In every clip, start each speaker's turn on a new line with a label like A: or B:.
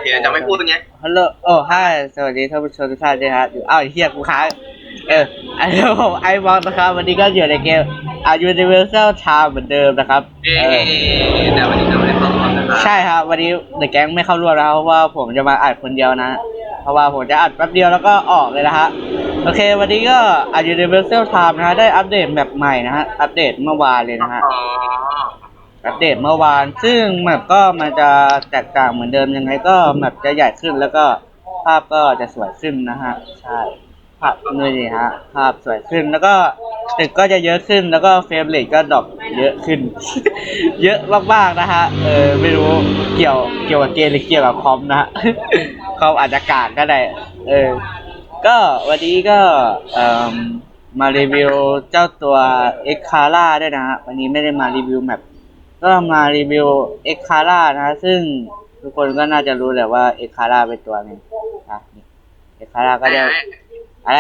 A: เคจะไม่พูดอย่างเงี้ย
B: ฮัลโหลโอ้ฮายสวัสดีท่านผู้ชมทุกท่านด้วยครับอ้าวเฮียกูค้างอันนี้ผมไอวอนนะครับวันนี้ก็อยู่ในเกมUniversal Time เหมือนเดิมนะครับ
A: แต่วันนี้เราไม่ได้เข้าร่วมนะครับ
B: ใช่ครับวันนี้เดอะแก๊งไม่เข้าร่วมแล้วเพราะว่าผมจะมาอัดคนเดียวนะเพราะว่าผมจะอัดแป๊บเดียวแล้วก็ออกเลยนะฮะโอเควันนี้ก็Universal Time นะฮะได้อัปเดตแมปใหม่นะฮะอัปเดตเมื่อวานเลยนะฮะอัปเดตเมื่อวานซึ่งแมปก็มันจะแตกต่างเหมือนเดิมยังไงก็แมปจะใหญ่ขึ้นแล้วก็ภาพก็จะสวยขึ้นนะฮะใช่ภาพนี่ฮะภาพสวยขึ้นแล้วก็ตึกก็จะเยอะขึ้นแล้วก็เฟรมเรทก็ดรอปเยอะขึ้น เยอะมากๆนะฮะไม่รู้เกี่ยวกับเกมหรือเกี่ยวกับคอมนะฮะ คอมอาจจะกากก็ได้ก็วันนี้ก็มารีวิวเจ้าตัวเอ็กคาร่าด้วยนะฮะวันนี้ไม่ได้มารีวิวแมปก็มารีวิวเอ็กคาร่านะซึ่งทุกคนก็น่าจะรู้แหละว่าเอ็กคาร่าเป็นตัวนึงอ่ะเอ็กคาร่าก็จะอะไร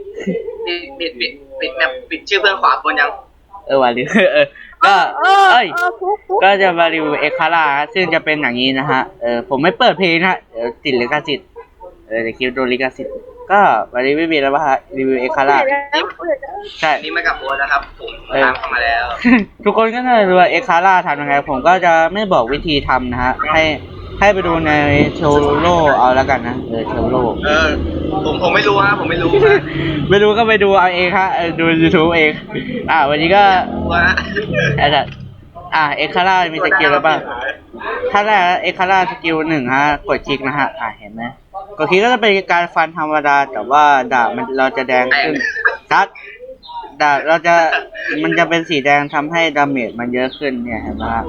A: ปิดแบบปิดชื่อเพื่อนขวาบนยัง
B: วันนี้ก็ก็จะมารีวิวเอ็กคาร่าซึ่งจะเป็นอย่างนี้นะฮะผมไม่เปิดเพลงนะเดี๋ยวติดลิขสิทธิ์จะคลิปโดนลิขสิทธิ์ก็วันนี้ไม่มีแล้วป่ะฮะรีวิวเอ็กคาร่าใช่
A: นี่มากับโบนะครับผมตามเข้ามาแล้ว
B: ทุกคนก็น่าจะรู้ว่าเอ็กคาร่าทำยังไงผมก็จะไม่บอกวิธีทำนะฮะให้ไปดูในโชโลเอาแล้วกันนะโชโล
A: ผมไม่รู้ฮะผมไม่รู้
B: ไม่รู้ก็ไปดูเอาเองฮะดู YouTube เองวันนี้ก็เอ็กคาร่ามีสกิลแล้วป่ะถ้าแรกเอ็กคาร่าสกิลหนึ่งฮะกดคลิกนะฮะเห็นไหมกดคลิกก็จะเป็นการฟันธรรมดาแต่ว่าดาบเราจะแดงขึ้นซัดดาบมันจะเป็นสีแดงทำให้ดาเมจมันเยอะขึ้นเนี่ยเห็นไหมฮะ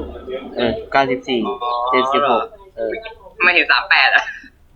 B: 94 76
A: ไม่เห็น38อ่ะ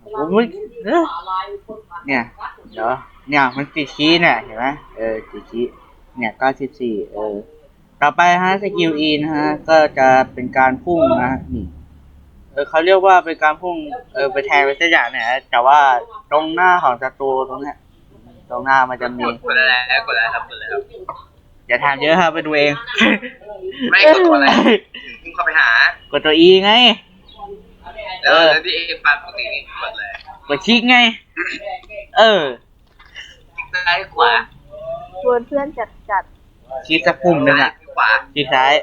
B: เนี่ยเดี๋ยวเนี่ยมันติดชี้เนี่ยเห็นไหมติดชี้เนี่ย94ต่อไปฮะสกิล E นะฮะก็จะเป็นการพุ่งนะนี่เขาเรียกว่าเป็นการพุ่งไปแทงไปสักอย่างเนี่ยแต่ว่าตรงหน้าของศัตรูตรงเนี้ยตรงหน้ามันจะมี
A: กดแล้วครับ
B: อย่าถามเยอะครับไปดูเอง
A: ไม่กดตัวอะไรมึงเข้าไปหาก
B: ดตัว E ไง
A: แล้วที่เองฟันปกตินี่กดเลย
B: กดคลิกไง
A: คลิกซ้ายขวา
C: ชวนเพื่อนจัด
B: คลิกสักปุ่มหนึ่ง
A: ขวา
B: คลิกซ้าย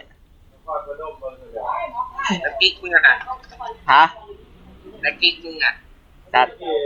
A: แล้วกิ๊กมึงอ่ะ
B: ฮะ
A: แล้วกิ๊กมึงอ่ะ
B: จัด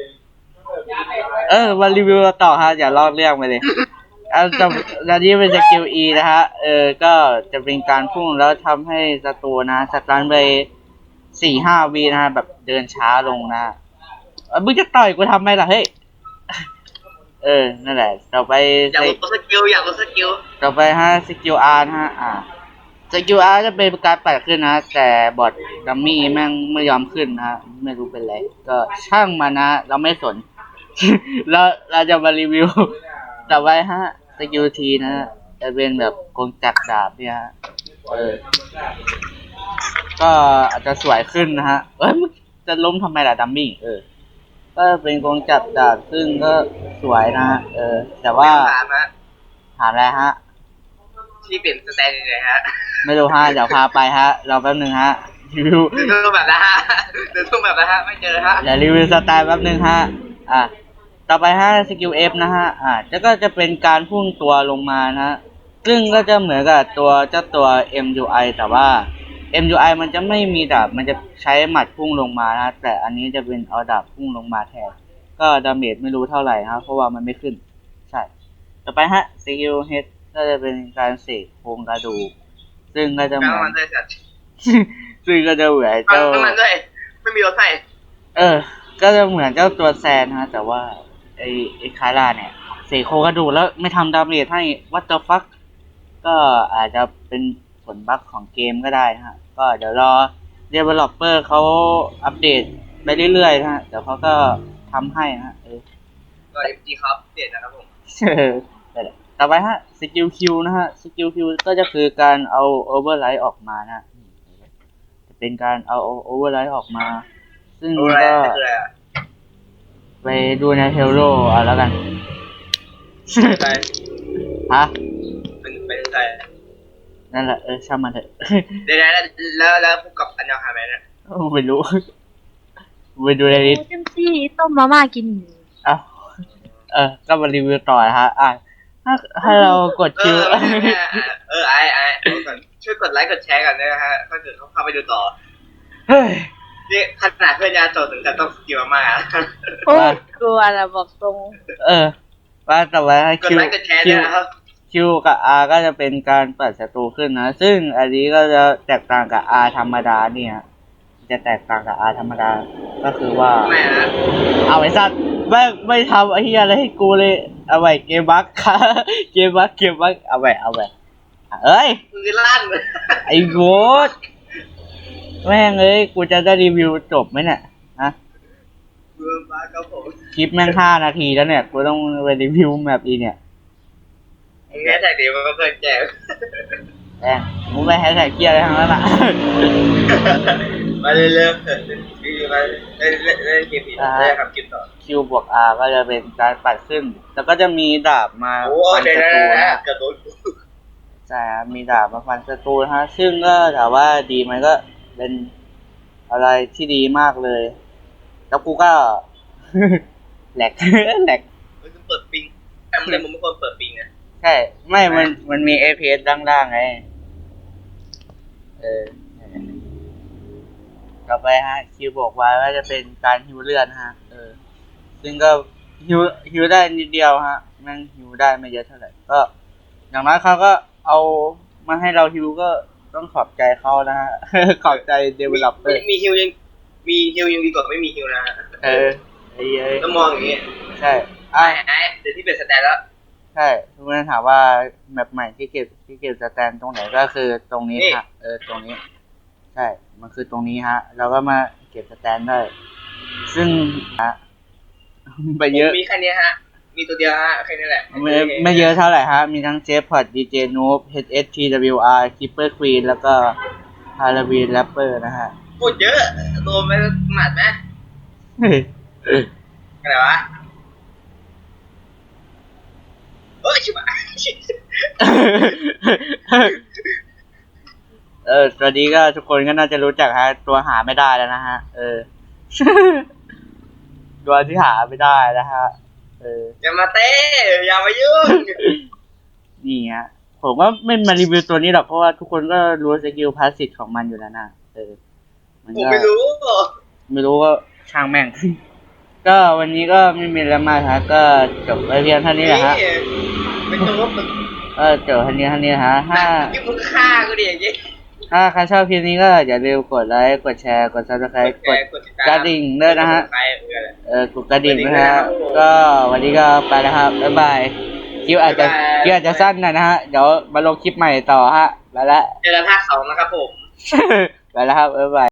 B: มารีวิวต่อฮะอย่าลอกเรื่องไปเลยแล้วนี่เป็นสกิล E นะฮะก็จะเป็นการพุ่งแล้วทำให้ศัตรูนะสตันไป4-5 วินะฮะแบบเดินช้าลงนะมึงจะต่อยกูทำไมล่ะเฮ้ยนั่นแหละต่อไป
A: อยากลดสกิล
B: ต่อไปฮะสกิล R นะฮะสกิล R จะเป็นการปัดขึ้นนะแต่บอทดัมมี่แม่งไม่ยอมขึ้นนะฮะไม่รู้เป็นไรก็ช่างมันนะเราไม่สน เราจะมารีวิวต่อไปฮะสกิล T นะฮะจะเป็นแบบกงจักรดาบเนี่ยฮะก็อาจจะสวยขึ้นนะฮะมึงจะล้มทำไมล่ะดัมมี่ก็เป็นกงจักรดาบซึ่งก็สวยนะฮะแต่ว่าถามอะไรฮะ
A: ที่เปลี่ยนสแตนยังไงฮะ
B: ไม่รู้ฮะเดี๋ยวพาไปฮะรอแป๊บนึงฮะรีวิว
A: แบบนะฮะไม่เจอฮะ
B: เดี๋ยวรีวิวสไตล์แป๊บนึงฮะต่อไปฮะสกิล F นะฮะก็จะเป็นการพุ่งตัวลงมานะฮะซึ่งก็จะเหมือนกับเจ้าตัว MUI แต่ว่า MUI มันจะไม่มีดาบมันจะใช้หมัดพุ่งลงมานะแต่อันนี้จะเป็นเอาดาบพุ่งลงมาแทนก็ดาเมจไม่รู้เท่าไหร่ครับเพราะว่ามันไม่ขึ้นใช่ต่อไปฮะสกิล H ก็จะเป็นการเสกโครงกระดูกซึ่งก็จะเหมือนซึ่งก็จะเหมือนเจ้า
A: ไม่มีรถไฟ
B: ก็จะเหมือนเจ้าตัวแซนฮะแต่ว่าไอ้คาร่าเนี่ยเสกโครงกระดูกแล้วไม่ทำดาเมจให้ What the fuck ก็อาจจะเป็นผลบั๊กของเกมก็ได้นะฮะก็เดี๋ยวรอ developer เขาอัปเดตไปเรื่อยๆนะฮะเดี๋ยวเขาก็ทำให้นะฮะ
A: ก็ FG ครับเปลี่ยนนะครับผม
B: ต่อไปฮะสกิล Q นะฮะสกิล Q ก็จะคือการเอา override ออกมานะจะเป็นการเอา override ออกมาซึ่งก็ไปดูในเทโลเอาแล้วกันฮะ
A: เป็นใจ
B: นั่นแหละช่างมันเถอะ
A: เดี๋ยวแล้วพบกับอันยองฮาแมนนะ
B: ไม่รู้ไปดูในลิสต์
C: จังซี่ต้มมาม่ากิน
B: อ้าวก็มารีวิวต่อนะฮะถ้าเรากดคิว
A: ไอ้เอาก่อนช่วยกดไลค์กดแชร์กันด้วยนะฮะถ้าเกิดเขาเข้าไปดูต่อ
B: เฮ้ย
A: นี่ขนาดเพื่อนยาโจถึงกับต้องสกิลมากๆ
C: โอ้ยกลัวนะบอกตรง
B: ว่าต่อไปให้
A: กดไลค์กดแชร์ด้วยนะครับ
B: คิวกับ R ก็จะเป็นการปัดศัตรูขึ้นนะ ซึ่งอันนี้ก็จะแตกต่างกับ R ธรรมดาเนี่ย จะแตกต่างกับ R ธรรมดา ก็คือว่า
A: ไม่นะ
B: เอาไอ้สัตว์ไม่ทำไอ้เหี้ยอะไรให้กูเลย เอาไว้เกมบัคค่ะ เกมบัคเอาไว้เอ้ย
A: มือลั่น
B: ไอ้โว้ดแม่งเอ้ย กูจะได้รีวิวจบไหมเนี่ย ฮะ
A: มือมาครับผม
B: คลิปแม่ง5 นาทีแล้วเนี่ย กูต้องไปรีวิวแบบอีเนี่ย
A: แค่แท็กเดียวมันก็เพิ่นแจก
B: แม่งมึงไปแฮชแท็กเกียร์อะไรทั้งนั้นอ่ะ
A: มาเรื่อยๆคือมาเล่นเกมผีได้ทำกินต่อ
B: Q บวก R ก็จะเป็นการปัดขึ้น แล้วก็จะมีดาบมา
A: โอ้
B: ฟัน
A: เดี๋ยว
B: ศัตรู
A: นะ
B: นะ
A: กระโดด
B: ใช่ครับมีดาบมาฟันศัตรูนะฮะ ซึ่งก็ถามว่าดีไหมก็เป็นอะไรที่ดีมากเลย แล้วกูก็ แหลก
A: มันเปิดปิงแต่มันไม่ควรเปิดปิงนะ
B: ใช่ ไม่ มันมี APS ล่างๆไง ต่อไปฮะ คิวบอกไว้ว่าจะเป็นการฮิวเลือดฮะ ซึ่งก็ฮิวได้นิดเดียวฮะแม่งฮิวได้ไม่เยอะเท่าไหร่ ก็อย่างน้อยเขาก็เอามาให้เราฮิวก็ต้องขอบใจเขานะฮะ ขอบใจ developer
A: มีฮิวยังดีกว่าไม่มีฮิวนะ
B: ไอ้เอ้ย
A: ต้องมองอย่างนี้
B: ใช่
A: ไอ้เดี๋ยวที่เป็นสแตนแล้ว
B: ใช่ทุกคนถามว่าแมปใหม่ที่เก็บสแตนตรงไหนก็คือตรงนี้ฮะตรงนี้ ใช่ มันคือตรงนี้ฮะ เราก็มาเก็บสแตนได้ ซึ่งฮะ ไปเยอะ
A: มีแค่นี้ฮะ มีตัวเดียวฮะแค่นี้แหละ
B: ไม่เยอะเท่าไหร่ฮะ มีทั้งเจฟพอดดีเจนูบ HSTWR Keeper Queen แล้วก็ Halloween Rapper นะฮะ
A: พูดเยอะโดนไปหมัดไหมอะไรวะชิบะ
B: ตอนนี้ก็ทุกคนก็น่าจะรู้จักฮะ ตัวหาไม่ได้แล้วนะฮะ ตัวที่หาไม่ได้นะฮะ
A: อย่ามาเต้อย่ามายุ่ง
B: นี่ฮะ ผมก็ไม่มารีวิวตัวนี้หรอกเพราะว่าทุกคนก็รู้สกิลพาสซีฟของมันอยู่แล้วนะมัน
A: ผม
B: ก็
A: ไม่รู้
B: ก็ช่างแม่ง ก็วันนี้ก็ไม่มีอะไรมากฮะ ก็จบไปเพียงเท่านี้แหละฮะ
A: ไม่ต้องว่ามึง
B: จบเท่านี้ฮะ
A: ที่มึงฆ่ากูดิอย่างงี้
B: ถ้าใครชอบคลิปนี้ก็อย่าลืมกดไลค์ กดแชร์ กด subscribe กดกระดิ่งด้วยนะฮะ กดกระดิ่งนะฮะ ก็วันนี้ก็ไปแล้วครับ บ๊ายบาย คลิปอาจจะสั้นหน่อยนะฮะ เดี๋ยวมาลงคลิปใหม่ต่อฮะ ไปแล้ว
A: เจอกันภาค 2นะครับผม
B: ไปแล้วครับ บ๊ายบาย